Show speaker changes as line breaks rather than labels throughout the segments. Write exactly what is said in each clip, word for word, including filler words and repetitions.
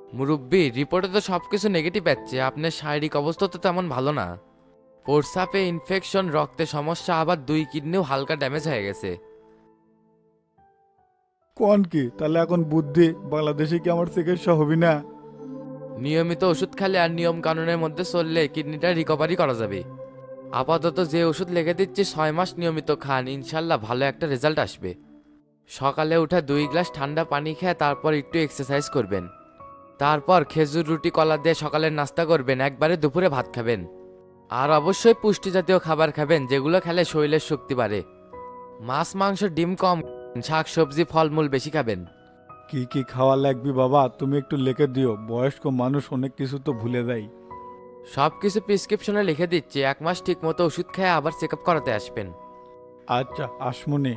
মুরব্বি রিপোর্টে তো সব কিছু নেগেটিভ পাচ্ছে, আপনার শারীরিক অবস্থা তো তেমন ভালো না। প্রস্রাবে ইনফেকশন, রক্তে সমস্যা, আবার দুই কিডনিও হালকা ড্যামেজ হয়ে গেছে।
কোন কি তাহলে এখন বুদ্ধি বাংলাদেশে কি আমার চিকিৎসা হবি না?
নিয়মিত ওষুধ খেলে আর নিয়ম কানুনের মধ্যে চললে কিডনিটা রিকভারি করা যাবে। আপাতত যে ওষুধ লিখে দিচ্ছি ছয় মাস নিয়মিত খান, ইনশাল্লাহ ভালো একটা রেজাল্ট আসবে। সকালে উঠে দুই গ্লাস ঠান্ডা পানি খেয়ে তারপর একটু এক্সারসাইজ করবেন। তারপর খেজুর রুটি কলা দিয়ে সকালের নাস্তা করবেন, একবারে দুপুরে ভাত খাবেন। আর অবশ্যই পুষ্টি জাতীয় খাবার খাবেন, যেগুলো খেলে শরীরের শক্তি বাড়ে। মাছ মাংস ডিম কম, শাক সবজি ফলমূল বেশি খাবেন।
কি কি খাওয়া লাগবে বাবা তুমি একটু লিখে দিও, বয়স্ক মানুষ অনেক কিছু তো ভুলে যায়।
সব কিছু প্রেসক্রিপশনে লিখে দিচ্ছি, এক মাস ঠিক মতো ওষুধ খেয়ে আবার চেক আপ করাতে আসবেন।
আচ্ছা আসমনি।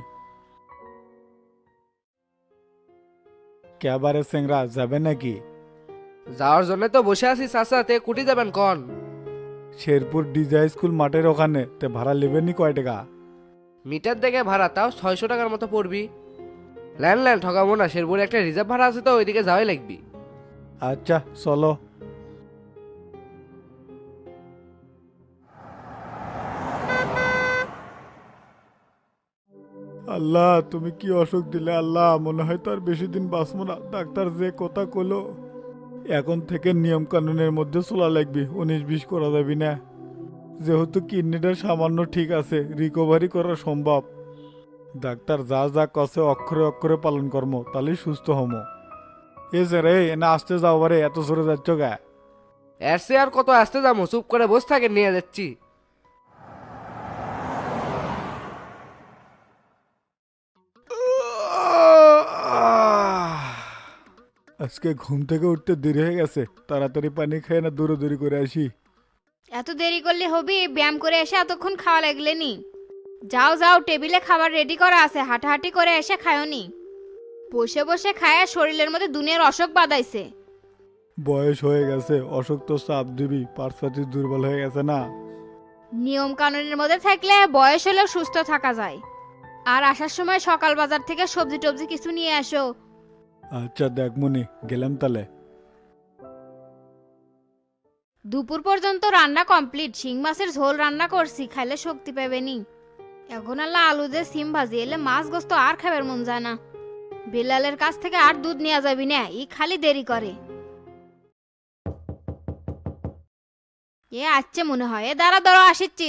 ক্যাবারে সেংরা যাবে নাকি?
যাওয়ার জন্য তো বসে আছি চাচা, তে কুটি যাবেন কন?
শেরপুর ডিজা স্কুল মাঠের ওখানে তে ভাড়া নেবেনি কয় টাকা?
মিটার দেখে ভাড়া তাও ছয়শো টাকার মতো পড়বি। ল্যান ল্যান ঠকাবো না, শেরপুরে একটা রিজার্ভ ভাড়া আছে তো ওইদিকে যাওয়াই লাগবি।
আচ্ছা চলো। আল্লাহ তুমি কি অসুখ দিলে আল্লাহ, মনে হয় তার বেশি দিন বাঁচবো না। ডাক্তার যে কথা কলো এখন থেকে নিয়ম কানুনের মধ্যে চলা লাগবে, উনিশ বিশ করা যাবি না। যেহেতু কিডনিটা সামান্য ঠিক আছে, রিকভারি করা সম্ভব। ডাক্তার যা যা কছে অক্ষরে অক্ষরে পালন কর্ম, তাহলেই সুস্থ হমো। এ স্যার এই না আসতে যাও বারে, এত সরে যাচ্ছ গা?
এর সে আর কত আসতে যাবো, চুপ করে বসে থাকে নিয়ে যাচ্ছি।
আজকে ঘুম থেকে উঠতে দেরি হয়ে গেছে, তাড়াতাড়ি পানি খেয়ে না দূরে দূরে করে আসি।
এত দেরি করলে হবি? ব্যায়াম করে এসে এতক্ষণ খাওয়া লাগলে নি? যাও যাও, টেবিলে খাবার রেডি করা আছে, হাঁটাহাঁটি করে এসে খায়নি। বসে বসে খায়া শরীরের মধ্যে দুনিয়ার অসুখ বাদাইছে।
বয়স হয়ে গেছে, অসুখ তো চাপ দিবি, পার্সাটি দুর্বল হয়ে গেছে না।
নিয়ম কানুনের মধ্যে থাকলে বয়স হলেও সুস্থ থাকা যায়। আর আসার সময় সকাল বাজার থেকে সবজি টবজি কিছু নিয়ে আসো।
আচ্ছা দেখমনি, গেলাম তাহলে।
দুপুর পর্যন্ত রান্না কমপ্লিট, শিং মাছের ঝোল রান্না করছি, খাইলে শক্তি পাবেনি। এখন আল্লাহ আলু দিয়ে সিম ভাজি, এলে মাছ গোস্ত আর খাবার মন যায় না। বেলালের কাছ থেকে আর দুধ নেওয়া যাবি না, ই খালি দেরি করে। এ আসছে মনে হয়, এ দাঁড়া দাঁড়া আসিচ্ছি।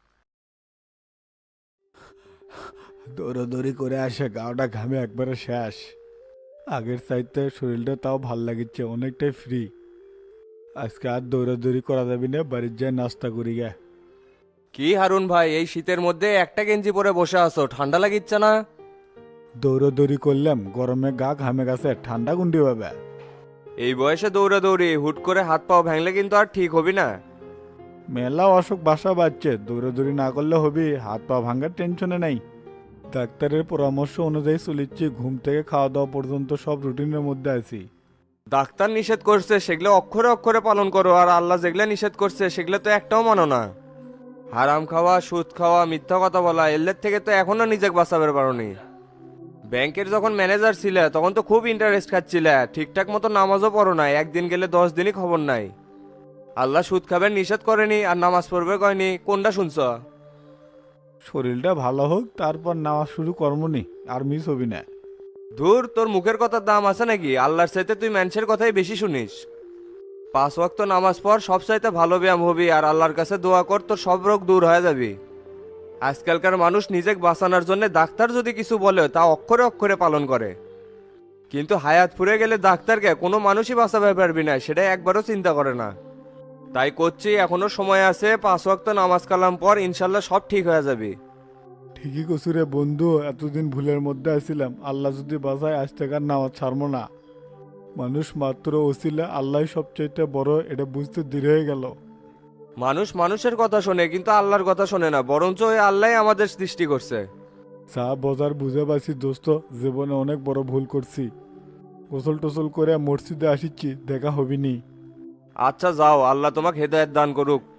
দৌড়াদৌড়ি করে আসে গাওটা ঘামে একবারে শেষ। আগের চাইতে শরীরটা তাও ভাল লাগিচ্ছে, অনেকটাই ফ্রি। আজকে আর দৌড়াদৌড়ি করা যাবি না, বাড়ির যায় নাস্তা করি গে।
কি হারুন ভাই, এই শীতের মধ্যে একটা গেঞ্জি পরে বসে আছো, ঠান্ডা লাগিচ্ছে না?
দৌড়াদৌড়ি করলাম, গরমে গা ঘামে গেছে, ঠান্ডা গুন্ডি পাবে।
এই বয়সে দৌড়াদৌড়ি হুট করে হাত পাও ভাঙলে কিন্তু আর ঠিক হবি না।
মেলা অসুখ বাসা বাজছে, দৌড়াদৌড়ি না করলে হবি, হাত পা ভাঙার টেনশনে নাই। ডাক্তারের পরামর্শ অনুযায়ী চলিচ্ছি, ঘুম থেকে খাওয়া দাওয়া পর্যন্ত সব রুটিনের মধ্যে আছি।
ডাক্তার নিষেধ করছে সেগুলো অক্ষরে অক্ষরে পালন করো, আর আল্লাহ যেগুলো নিষেধ করছে সেগুলো তো একটাও মানো না। হারাম খাওয়া, সুদ খাওয়া, মিথ্যা কথা বলা, এলের থেকে তো এখনো নিজেকে বাঁচাবে পারোনি। ব্যাংকের যখন ম্যানেজার ছিলে তখন তো খুব ইন্টারেস্ট খাচ্ছিলে, ঠিকঠাক মতো নামাজও পড়ো নাই, একদিন গেলে দশ দিনই খবর নাই। আল্লাহ সুদ খাবেন নিষেধ করেনি আর নামাজ পড়বে কয়নি, কোনটা শুনছ?
শরীরটা ভালো হোক তারপর নামাজ শুরু কর্মনি, আর মিস হবি না।
ধুর, তোর মুখের কথার দাম আছে নাকি? আল্লাহর চাইতে তুই মানুষের কথাই বেশি শুনিস। পাঁচ ওয়াক্ত নামাজ পড়, সব চাইতে ভালো ব্যায়াম হবি, আর আল্লাহর কাছে দোয়া কর, তোর সব রোগ দূর হয়ে যাবি। আজকালকার মানুষ নিজেকে বাঁচানোর জন্য ডাক্তার যদি কিছু বলে তা অক্ষরে অক্ষরে পালন করে, কিন্তু হায়াত ফুরে গেলে ডাক্তারকে কোনো মানুষই বাঁচাতে পারবি না, সেটাই একবারও চিন্তা করে না। তাই করছি, এখনো সময় আছে, পাঁচ ওয়াক্ত নামাজ কালাম পর, ইনশাল্লাহ সব ঠিক হয়ে যাবে।
ঠিকই কসুরে বন্ধু, এতদিন ভুলের মধ্যে আছিলাম, আল্লাহ যদি বাঁচায় আজ থেকে আর নামাজ ছাড়বো না। মানুষ মাত্র ওসিলা, আল্লাহ সবচাইতে বড়, এটা বুঝতে দেরি হয়ে গেল।
মানুষ মানুষের কথা শোনে কিন্তু আল্লাহর কথা শোনে না, বরঞ্চ ওই আল্লাহ আমাদের সৃষ্টি করছে।
চা বাজার বুঝে পাচ্ছি দোস্ত, জীবনে অনেক বড় ভুল করছি। গোসল টোসল করে মসজিদে আসিচ্ছি, দেখা হবিনি।
আচ্ছা যাও, আল্লাহ তোমাকে হেদায়েত দান করুক।